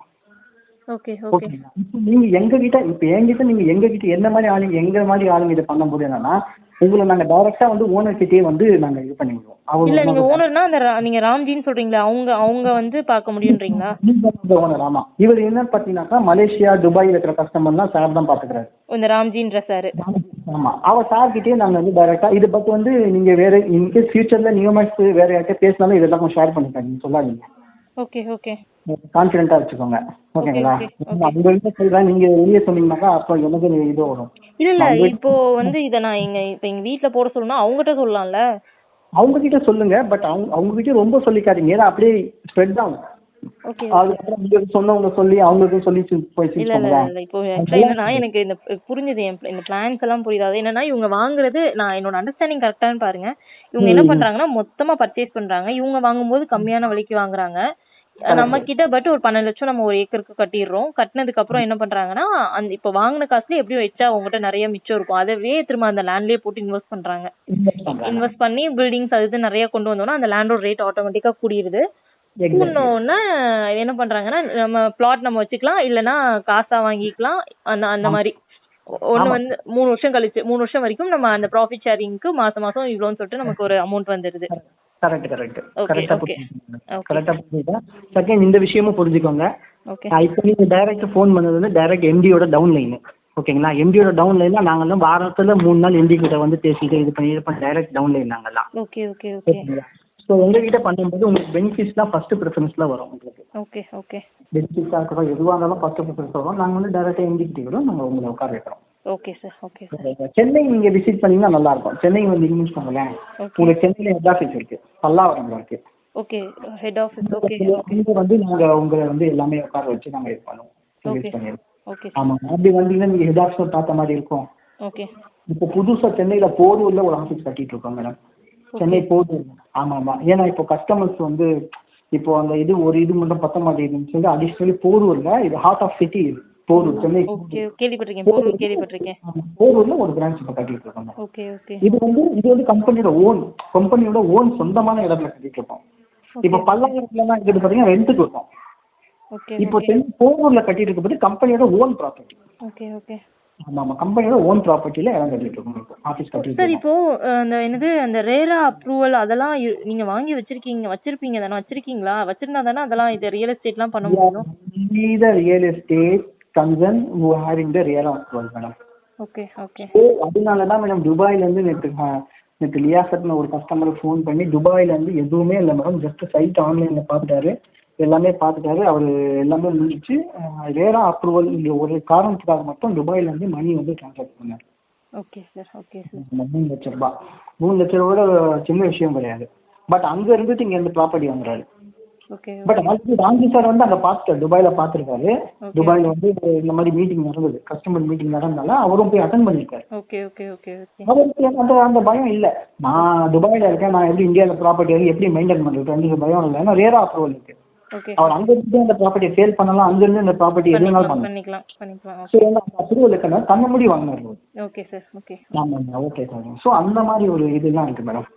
ஓகே ஓகே ஓகேங்களா? இப்போ நீங்க எங்க கிட்ட இப்போ என்கிட்ட நீங்க எங்க கிட்ட என்ன மாதிரி ஆளுங்க எங்க மாதிரி ஆளுங்க இதை பண்ணும்போது என்னன்னா, உங்களை நாங்க டைரக்டா வந்து ஓனர் கிட்டே வந்து நாங்க இது பண்ணிடுவோம். இல்ல நீங்க அவர் ஓனர்னா அந்த ரா- நீங்க ராம்ஜின்னு சொல்றீங்களா, அவங்க அவங்க வந்து பார்க்க முடியுன்றீங்களா? ஓனர். ஆமா. இவர் என்ன பாத்தீங்கன்னாக்கா மலேசியா துபாயில் இருக்கிற கஸ்டமர்லாம் சார் தான் பாத்துக்கிறாரு. இந்த ராம்ஜின்ற சார். ஆமா. அவர் சார் கிட்டே நாங்க வந்து டைரக்டா இது பட் வந்து நீங்க வேற இன்கேஸ் ஃபியூச்சர்ல நியூமேக்ஸ் வேற யார்கிட்ட பேசினாலும் இதெல்லாம் கொஞ்சம் ஷேர் பண்ணிக்காங்க, நீங்க சொல்லாதீங்க. ஓகே ஓகே கான்ஃபிடென்ட்டா வச்சுக்கோங்க. ஓகேங்களா? okay, okay. உங்கள்கிட்ட சொல்றேன், நீங்க வெளியே சொன்னீங்கன்னாக்கா அப்போ எனக்கு இது வரும். இல்ல இல்ல இப்போ வந்து இத நான் எங்க இப்ப எங்க வீட்ல போட சொல்லணும்னா அவங்ககிட்ட சொல்லலாம்ல. அவங்க கிட்ட சொல்லுங்க, பட் அவங்க அவங்க கிட்ட ரொம்ப சொல்லிக்காதீங்க, ஏன்னா அப்படியே ஸ்ப்ரெட் ஆகும். ஓகே. அதுக்கப்புறம் நீங்க சொன்னவங்க சொல்லி அவங்களுக்கும் சொல்லி போய் இல்ல இல்ல இல்ல இப்போ ஆக்சுவலா என்னன்னா எனக்கு இந்த புரிஞ்சது, என் இந்த பிளான்ஸ் எல்லாம் புரியுது. அது என்னன்னா இவங்க வாங்குறது, நான் என்னோட அண்டர்ஸ்டாண்டிங் கரெக்டானு பாருங்க. இவங்க என்ன பண்றாங்கன்னா மொத்தமா பர்ச்சேஸ் பண்றாங்க. இவங்க வாங்கும்போது கம்மியான விலைக்கு வாங்குறாங்க நம்ம கிட்ட. பட் ஒரு பன்னெண்டு லட்சம் நம்ம ஒரு ஏக்கருக்கு கட்டிடுறோம். கட்டினதுக்கு அப்புறம் என்ன பண்றாங்கன்னா அந்த இப்ப வாங்கின காசுல எப்படியும் வச்சா அவங்ககிட்ட நிறைய மிச்சம் இருக்கும், அதவே திரும்ப அந்த லேண்ட்லயே போட்டு இன்வெஸ்ட் பண்றாங்க. இன்வெஸ்ட் பண்ணி பில்டிங்ஸ் அது இது நிறைய கொண்டு வந்தோம்னா அந்த லேண்டோட ரேட் ஆட்டோமேட்டிக்கா கூடிருது. கூடனோன்னா என்ன பண்றாங்கன்னா நம்ம பிளாட் நம்ம வச்சுக்கலாம், இல்லைன்னா காசா வாங்கிக்கலாம். அந்த அந்த மாதிரி ஒண்ணு வந்து மூணு வருஷம் கழிச்சு மூணு வருஷம் வரைக்கும் நம்ம அந்த ப்ராஃபிட் ஷேரிங்க்கு மாசம் மாசம் இவ்வளோன்னு சொல்லிட்டு நமக்கு ஒரு அமௌண்ட் வந்துருது. கரெக்ட் கரெக்ட் ஓகே கரெக்டா ஓகே கரெக்டா புரியுதா? செகண்ட் இந்த விஷயமும் புரிஞ்சுக்கோங்க. ஓகே இப்போ நீங்க டைரக்ட் ஃபோன் பண்ணது வந்து டைரக்ட் எம்டியோட டவுன் லைன். ஓகேங்களா? எம்டியோட டவுன் லைன்னா நாங்கெல்லாம் வாரத்துல மூணு நாள் எம்டி கிட்ட வந்து பேசிட்டு இது பண்ணி இது பண்ணி டைரக்ட் டவுன் லைன் நாங்கெல்லாம். ஓகே ஓகே ஓகே ஓகேங்களா? ஸோ உங்ககிட்ட பண்ணும்போது உங்களுக்கு பெனிஃபிட்ஸ்லாம் ஃபர்ஸ்ட் ப்ரிஃபரன்ஸ்ல வரும். உங்களுக்கு ஓகே ஓகே பெனிஃபிட்ஸாக இருக்கட்டும் எதுவாக இருந்தாலும் ஃபர்ஸ்ட் ப்ரிஃபரன்ஸ் வரும். நாங்கள் வந்து டைரக்டாக எம்டி கிட்ட கூட நாங்கள் உங்களை உட்கார வைக்கிறோம். Okay sir okay sir. Chennai நீங்க விசிட் பண்ணீங்கன்னா நல்லா இருக்கும். சென்னை வந்து இங்கிலீஷ் பண்ணுங்களேன், உங்களுக்கு சென்னையில ஹெட் ஆஃபீஸ் இருக்கு, பல்லாவரம்ல இருக்கு. Okay head office. ஓகே இங்க வந்து நாங்க உங்களை வந்து எல்லாமே உட்கார வச்சு நாங்க இது பண்ணுவோம், சர்வீஸ் பண்ணிடுவோம். ஓகே ஆமா. அப்படி வந்தீங்கன்னா நீங்க ஹெட் ஆஃபீஸ் பார்த்த மாதிரி இருக்கும். ஓகே. இப்போ புதுசா சென்னையில போரூர்ல ஒரு ஆஃபீஸ் கட்டிட்டு இருக்கோம் மேடம். சென்னை போரூர். ஆமா ஆமா. ஏன்னா இப்போ கஸ்டமர்ஸ் வந்து இப்போ அந்த இது ஒரு இது மட்டும் பத்த மாட்டேங்குதுன்னு சொல்லி அடிஷனலி போரூர்ல இது heart of city Porur Chennai. Okay கேள்விப்பட்டிருக்கேன், போரூர் கேள்விப்பட்டிருக்கேன். போரூர்ல ஒரு பிரான்ச் இப்போ கட்டிட்டு இருக்கோம். Okay okay. இது வந்து இது வந்து கம்பெனியோட ஓன் கம்பெனியோட ஓன் சொந்தமான இடத்துல கட்டிட்டு இருக்கோம். இப்போ பல்லாயிரத்துலலாம் இருக்கிறது பார்த்தீங்கன்னா ரெண்டுக்கு இருக்கும். ஓகே. இப்போ சென்னை போரூர்ல கட்டிட்டு இருக்கிறது கம்பெனியோட ஓன் ப்ராப்பர்ட்டி. Okay okay. ஆமா ஆமா. கம்பெனியோட ஓன் ப்ராப்பர்ட்டில இடம் கட்டிட்டு இருக்கோம். இப்போ ஆஃபீஸ் கட்டிட்டு சார் இப்போ அந்த என்னது அந்த ரேரா அப்ரூவல் அதெல்லாம் இ- நீங்க வாங்கி வச்சிருக்கீங்க வச்சிருப்பீங்க தானே, வச்சிருக்கீங்களா? வச்சிருந்தா தானே அதெல்லாம் இது ரியல் எஸ்டேட்லாம் பண்ண முடியும். the real estate concern who having the real approval madam. Okay okay so அதனால தான் மேடம் துபாயில இருந்து நேற்று நேற்று லியாசத்னு ஒரு கஸ்டமர் ஃபோன் பண்ணி துபாயில இருந்து எதுவுமே இல்லை மேடம், ஜஸ்ட் சைட் ஆன்லைன்ல பார்த்துட்டாரு, எல்லாமே பார்த்துட்டாரு, அவர் எல்லாமே முடிச்சு ரேரா அப்ரூவல் இந்த ஒரு காரணத்துக்காக மட்டும் துபாயில இருந்து மணி வந்து டிரான்ஸ்ஃபர் பண்ணார். Okay sir okay sir. மூணு லட்சம் ரூபாய் மூணு லட்சம் ரூபாய் சின்ன விஷயம் கிடையாது. பட் அங்க இருந்துட்டு இங்க இருந்து ப்ராப்பர்ட்டி வாங்குறாரு. Okay but already Ramji sir வந்து அங்க பார்த்துட்டாரு, துபாயில பார்த்துருக்காரு. துபாயில வந்து இந்த மாதிரி மீட்டிங் நடந்தது, கஸ்டமர் மீட்டிங் நடந்தனால அவரும் போய் அட்டன் பண்ணிருக்காரு. Okay okay okay okay. அவருக்கு அந்த அந்த பயம் இல்லை, நான் துபாயில இருக்கேன், நான் எப்படி இந்தியாவில் ப்ராப்பர்ட்டி வந்து எப்படி மெயின்டைன் பண்றது அந்த பயம் இல்லை. ஏன்னா ரேரா அப்ரூவல் இருக்கு. ஓகே. அவர் அங்க இருந்து அந்த ப்ராப்பர்ட்டியை சேல் பண்ணலாம், அங்க இருந்து அந்த ப்ராப்பர்ட்டி எதுனாலும் பண்ணலாம். பண்ணிக்கலாம் பண்ணிக்கலாம். ஸோ அந்த அப்ரூவல் இருக்கனால தன்னை முடி வாங்கினாரு. Okay sir okay. ஆமாம் ஓகே சார். ஸோ அந்த மாதிரி ஒரு இதெல்லாம் இருக்கு மேடம்.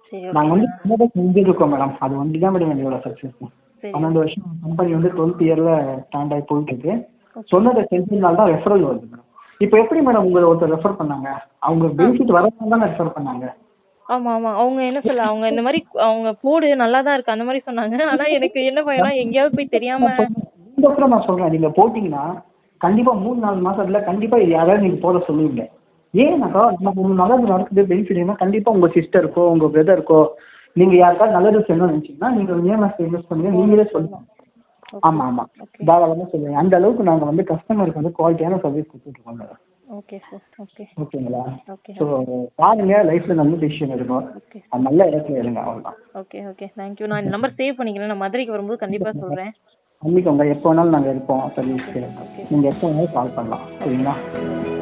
சரி நாங்க ஓகே வந்து சின்னதாக செஞ்சுருக்கோம் மேடம். அது ஒண்டி தான் மேடம் எங்களோட சக்ஸஸ். சரி பன்னெண்டு வருஷம் கம்பெனி வந்து டுவெல்த் இயர்ல ஸ்டாண்ட் ஆகி போயிட்டு இருக்கு. சொன்னதை செஞ்சதுனால தான் ரெஃபரல் வருது மேடம். இப்போ எப்படி மேடம் உங்களை ஒருத்தர் ரெஃபர் பண்ணாங்க? அவங்க பெனிஃபிட் வரதுனால தானே ரெஃபர் பண்ணாங்க. ஆமா ஆமா அவங்க என்ன சொல்ல அவங்க இந்த மாதிரி அவங்க போடு நல்லா தான் இருக்கு அந்த மாதிரி சொன்னாங்க. ஆனா எனக்கு என்ன பயம்னா எங்கேயாவது போய் தெரியாம இந்த அப்புறம் நான் சொல்றேன், நீங்க போட்டீங்கன்னா கண்டிப்பா மூணு நாலு மாசத்துல கண்டிப்பா யாராவது நீங்க போட சொல்லுவீங்க. ஏன்னாக்கா நம்ம ஒரு நல்லது நடக்குது பெனிஃபிட்னா கண்டிப்பா உங்க சிஸ்டருக்கோ உங்க பிரதருக்கோ நீங்க யாருக்காவது நல்லது செய்யணும்னு நினைச்சீங்கன்னா நீங்க இஎம்எஸ் இன்வெஸ்ட் பண்ணுங்க, நீங்களே சொல்லுங்க. ஆமா ஆமா தாராளமா சொல்லுங்க. அந்த அளவுக்கு நாங்க வந்து கஸ்டமருக்கு வந்து குவாலிட்டியான சர்வீஸ் கொடுத்துட்டு இருக்கோம் மேடம். ஓகே சார் ஓகே ஓகேங்களா? ஓகே ஸோ பாருங்க, லைஃப்ல நல்ல டிசிஷன் எடுக்கும். ஓகே அது நல்ல இடத்துல இருங்க, அவ்வளோதான். Okay okay thank you. நான் இந்த நம்பர் சேவ் பண்ணிக்கிறேன். நான் மதுரைக்கு வரும்போது கண்டிப்பா சொல்றேன். பண்ணிக்கோங்க, எப்போ வேணாலும் நாங்கள் இருப்போம் சர்வீஸ்க்கு. நீங்கள் எப்போ வேணாலும் கால் பண்ணலாம், சரிங்களா?